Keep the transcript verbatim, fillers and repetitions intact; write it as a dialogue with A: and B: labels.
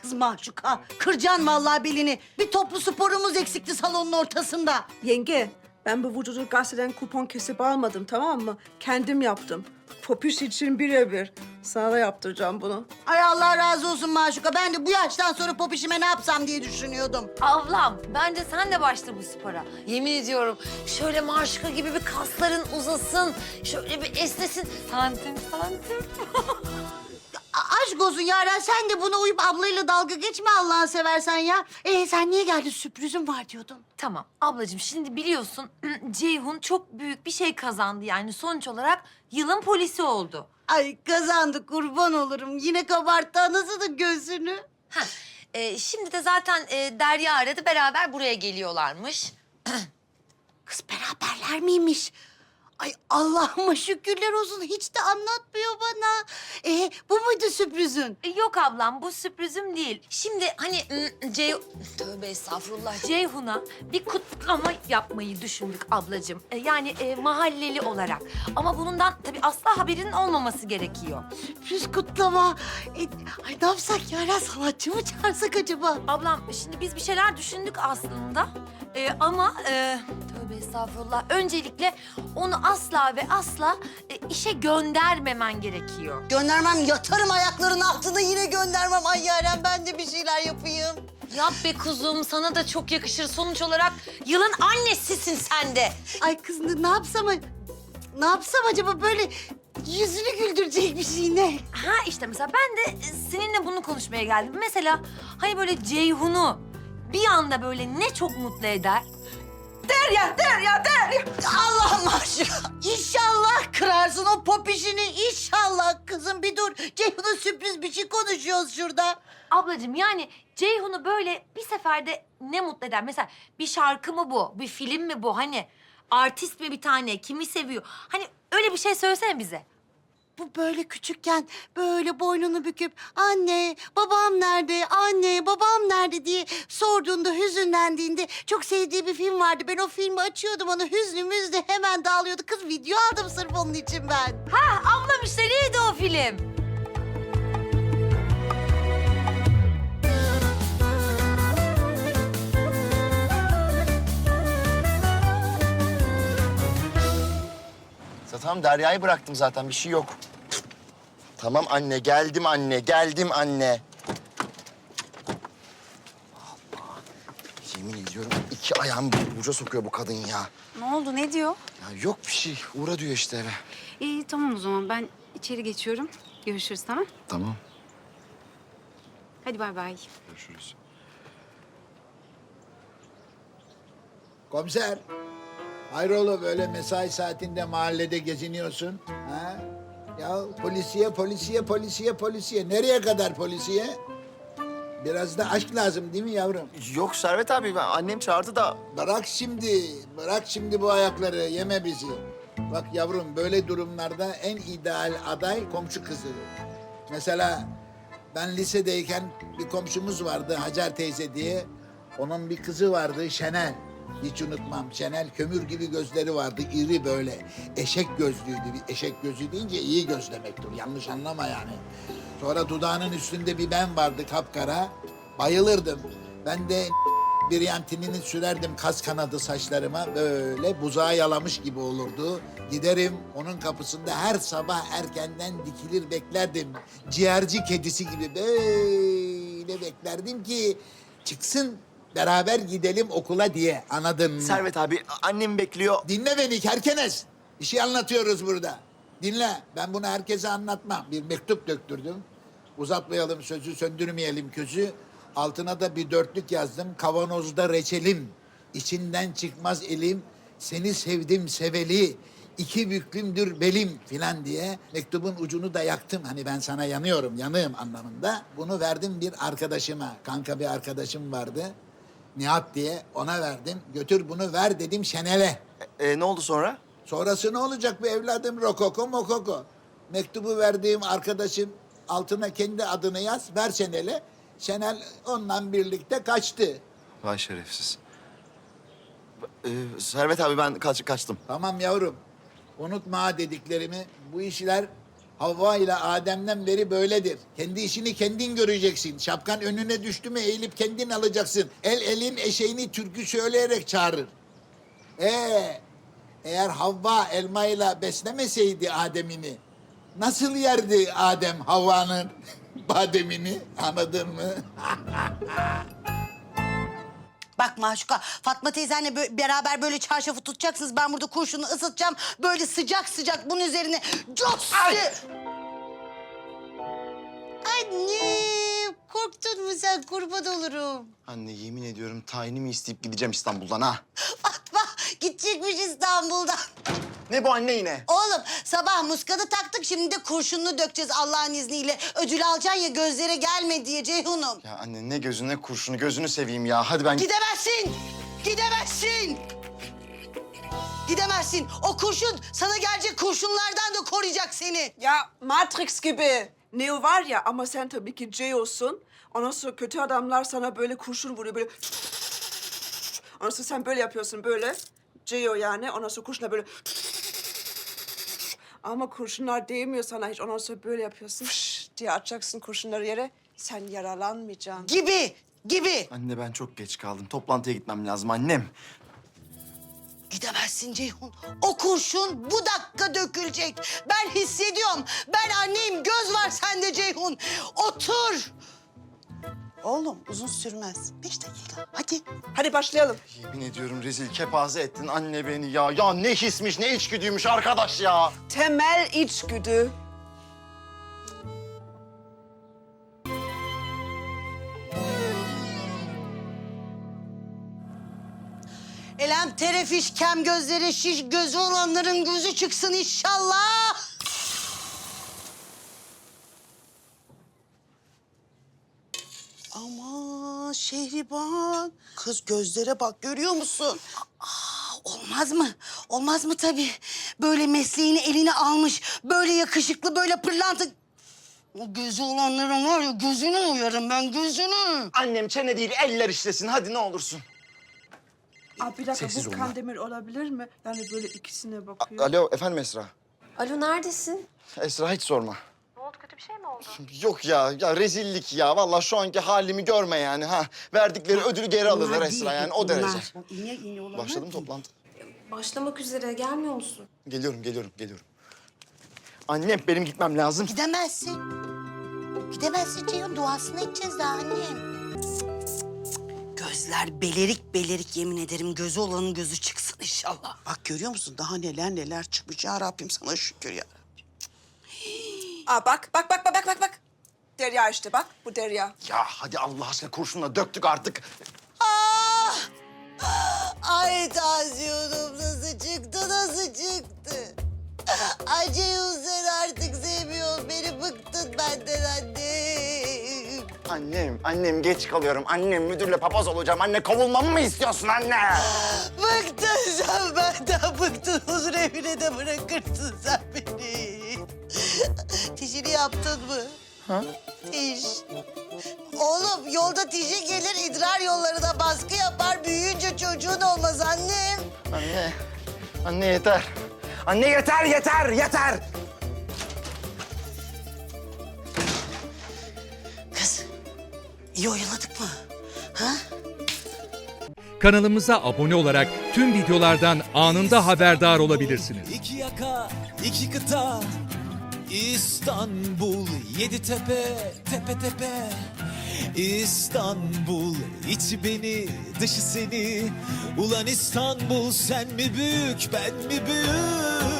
A: kız mahcuka. Kırcan vallahi belini. Bir toplu sporumuz eksikti salonun ortasında.
B: Yenge, ben bu vücudu gazeteden kupon kesip almadım, tamam mı? Kendim yaptım. Popüş için birebir. Sana da yaptıracağım bunu.
A: Ay Allah razı olsun mahcuka. Ben de bu yaştan sonra popişime ne yapsam diye düşünüyordum.
C: Ablam, bence sen de başla bu spora. Yemin ediyorum şöyle Maşuka gibi bir kasların uzasın, şöyle bir esnesin. Santim santim.
A: A- aşk olsun Yaren, sen de buna uyup ablayla dalga geçme Allah'ını seversen ya. Ee sen niye geldin? Sürprizim var diyordun.
C: Tamam ablacığım, şimdi biliyorsun Ceyhun çok büyük bir şey kazandı. Yani sonuç olarak yılın polisi oldu.
A: Ay kazandı, kurban olurum. Yine kabarttı anasının gözünü.
C: Heh, e, şimdi de zaten e, Derya aradı, beraber buraya geliyorlarmış.
A: Kız beraberler miymiş? Ay Allah'ıma şükürler olsun. Hiç de anlatmıyor bana. Ee, bu muydu sürprizin?
C: E, Yok ablam, bu sürprizim değil. Şimdi hani mm, Cey... Tövbe estağfurullah. Ceyhun'a bir kutlama yapmayı düşündük ablacığım. E, yani e, mahalleli olarak. Ama bundan tabii asla haberinin olmaması gerekiyor.
A: Sürpriz kutlama. Ee, ay ne yapsak Yaren, sanatçı mı çağırsak acaba?
C: Ablam şimdi biz bir şeyler düşündük aslında. E, ama e, tövbe estağfurullah. Öncelikle onu asla ve asla e, işe göndermemen gerekiyor.
A: Göndermem, yatarım ayaklarının altına, yine göndermem. Ay Yaren, ben de bir şeyler yapayım.
C: Yap be kuzum, sana da çok yakışır. Sonuç olarak yılın annesisin sen de.
A: Ay kız ne ne yapsam, ne yapsam acaba, böyle yüzünü güldürecek bir şey ne?
C: Ha işte mesela ben de e, seninle bunu konuşmaya geldim. Mesela hani böyle Ceyhun'u bir anda böyle ne çok mutlu eder.
A: Derya, Derya, Derya. Allah'ım aşkına. İnşallah kırarsın o pop işini. İnşallah kızım, bir dur. Ceyhun'a sürpriz bir şey konuşuyoruz şurada.
C: Ablacığım yani Ceyhun'u böyle bir seferde ne mutlu eder? Mesela bir şarkı mı bu? Bir film mi bu? Hani artist mi bir tane? Kimi seviyor? Hani öyle bir şey söylesene bize.
A: Bu böyle küçükken böyle boynunu büküp anne babam nerede, anne babam nerede diye sorduğunda, hüzünlendiğinde çok sevdiği bir film vardı. Ben o filmi açıyordum, ona hüznümüz de hemen dağılıyordu. Kız video aldım sırf onun için ben.
C: Ha ablam işte neydi o film?
D: Tamam, Derya'yı bıraktım zaten, bir şey yok. Tamam anne, geldim anne, geldim anne. Allah, yemin ediyorum iki ayağımı burca sokuyor bu kadın ya.
E: Ne oldu, ne diyor?
D: Ya yok bir şey, uğra diyor işte eve.
E: İyi, tamam o zaman. Ben içeri geçiyorum. Görüşürüz, tamam?
D: Tamam.
E: Hadi bay bay.
D: Görüşürüz.
F: Komiser, hayrola böyle mesai saatinde mahallede geziniyorsun? Ha? Ya polisiye, polisiye, polisiye, polisiye. Nereye kadar polisiye? Biraz da aşk lazım değil mi yavrum?
D: Yok Servet abi, ben, annem çağırdı da.
F: Bırak şimdi, bırak şimdi bu ayakları, yeme bizi. Bak yavrum, böyle durumlarda en ideal aday komşu kızı. Mesela ben lisedeyken bir komşumuz vardı, Hacer teyze diye. Onun bir kızı vardı, Şenel. Hiç unutmam. Şenel kömür gibi gözleri vardı, iri böyle. Eşek gözlüydü. Bir eşek gözü deyince iyi göz demektir. Yanlış anlama yani. Sonra dudağının üstünde bir ben vardı, kapkara. Bayılırdım. Ben de bir yantinini sürerdim kas kanadı saçlarıma. Böyle buzağı yalamış gibi olurdu. Giderim onun kapısında her sabah erkenden dikilir beklerdim. Ciğerci kedisi gibi böyle beklerdim ki çıksın, beraber gidelim okula diye, anladın mı?
D: Servet abi, annem bekliyor.
F: Dinle beni kerkenes. Bir şey anlatıyoruz burada. Dinle. Ben bunu herkese anlatmam. Bir mektup döktürdüm. Uzatmayalım sözü, söndürmeyelim közü. Altına da bir dörtlük yazdım. Kavanozda reçelim. İçinden çıkmaz elim. Seni sevdim seveli. İki büklümdür belim filan diye mektubun ucunu da yaktım. Hani ben sana yanıyorum, yanığım anlamında. Bunu verdim bir arkadaşıma. Kanka bir arkadaşım vardı. Nihat diye, ona verdim. Götür bunu ver dedim Şenel'e.
D: E, ne oldu sonra?
F: Sonrası ne olacak be evladım? Rokoko mokoko. Mektubu verdiğim arkadaşım altına kendi adını yaz, ver Şenel'e. Şenel onunla birlikte kaçtı.
D: Vay şerefsiz. E, Servet abi, ben kaç, kaçtım.
F: Tamam yavrum. Unutma ha dediklerimi. Bu işler Havva ile Adem'den beri böyledir. Kendi işini kendin göreceksin. Şapkan önüne düştü mü eğilip kendin alacaksın. El elin eşeğini türkü söyleyerek çağırır. Ee, eğer Havva elmayla beslemeseydi Adem'ini, nasıl yerdi Adem Havva'nın bademini? Anladın mı?
A: Bak Maşuka, Fatma teyzenle bö- beraber böyle çarşafı tutacaksınız. Ben burada kurşunu ısıtacağım. Böyle sıcak sıcak bunun üzerine cos diye- Anne, korktun mu sen? Kurban olurum.
D: Anne yemin ediyorum tayinimi isteyip gideceğim İstanbul'dan ha.
A: Fatma gidecekmiş İstanbul'dan.
D: Ne bu anne yine?
A: Oğlum sabah muskadı taktık, şimdi de kurşununu dökeceğiz Allah'ın izniyle. Ödül alacaksın ya, gözlere gelme diye Ceyhun'um.
D: Ya anne ne gözü ne kurşunu, gözünü seveyim ya. Hadi ben...
A: Gidemezsin! Gidemezsin! Gidemezsin. O kurşun sana gelecek kurşunlardan da koruyacak seni.
B: Ya Matrix gibi. Neo var ya ama sen tabii ki Ceo'sun. Ondan sonra kötü adamlar sana böyle kurşun vuruyor böyle. Ondan sonra sen böyle yapıyorsun böyle. Ceo yani. Ondan sonra kurşuna böyle. Ama kurşunlar değmiyor sana hiç. Ondan sonra böyle yapıyorsun. diye atacaksın kurşunları yere. Sen yaralanmayacaksın.
A: Gibi, gibi.
D: Anne ben çok geç kaldım. Toplantıya gitmem lazım annem.
A: Gidemezsin Ceyhun. O kurşun bu dakika dökülecek. Ben hissediyorum. Ben anneyim. Göz var sende Ceyhun. Otur. Oğlum uzun sürmez. Beş dakika. Hadi.
B: Hadi başlayalım.
D: Yemin ediyorum rezil kepaze ettin anne beni ya. Ya ne hismiş ne içgüdüymüş arkadaş ya.
B: Temel içgüdü.
A: Elem terefiş, kem gözleri şiş, gözü olanların gözü çıksın inşallah. Ama Şehriban, kız gözlere bak, görüyor musun? Aa, olmaz mı? Olmaz mı tabii? Böyle mesleğini eline almış, böyle yakışıklı, böyle pırlanta... O gözü olanların var ya, gözünü uyarım ben, gözünü.
D: Annem çene değil eller işlesin hadi ne olursun.
B: Aa, bir dakika
D: Sessiz
B: bu
D: olma.
B: Kandemir olabilir mi? Yani böyle ikisine bakıyor.
D: Alo efendim Esra.
C: Alo neredesin?
D: Esra hiç sorma.
C: Ne oldu, kötü bir şey mi oldu?
D: Yok ya, ya rezillik ya. Vallahi şu anki halimi görme yani ha. Verdikleri ödülü geri alırlar Esra yani o derece.
A: İğne iğne olanlar
D: Başladım
A: değil.
D: toplantı.
C: Başlamak üzere, gelmiyor musun?
D: Geliyorum, geliyorum, geliyorum. Annem benim gitmem lazım.
A: Gidemezsin. Gidemezsin Ceyhun. Duasını edeceğiz daha annem. Gözler belerik belerik, yemin ederim. Gözü olanın gözü çıksın inşallah.
G: Bak görüyor musun? Daha neler neler çıkmış ya Rabbim, sana şükür ya.
B: Aa bak bak bak bak bak bak. Derya işte bak bu Derya.
D: Ya hadi Allah aşkına kurşunla döktük artık.
A: Ah! Ay tansiyonum nasıl çıktı, nasıl çıktı? Ay Ceyhun, sen artık sevmiyorsun beni. Bıktın benden annem.
D: Annem, annem geç kalıyorum. Annem müdürle papaz olacağım. Anne kovulmamı mı istiyorsun anne?
A: Bıktın sen benden, bıktın. Huzur evine de bırakırsın sen beni. Tişini yaptın mı?
D: Ha?
A: Tiş. Oğlum yolda tişi gelir, idrar yollarına baskı yapar. Büyüyünce çocuğun olmaz annem.
D: Anne, anne yeter. Anne yeter, yeter, yeter.
A: Kız, iyi oyaladık mı? Ha?
H: Kanalımıza abone olarak tüm videolardan anında haberdar olabilirsiniz.
I: İki yaka, iki kıta, İstanbul, yedi tepe, tepe tepe. İstanbul, içi beni, dışı seni. Ulan İstanbul, sen mi büyük, ben mi büyük?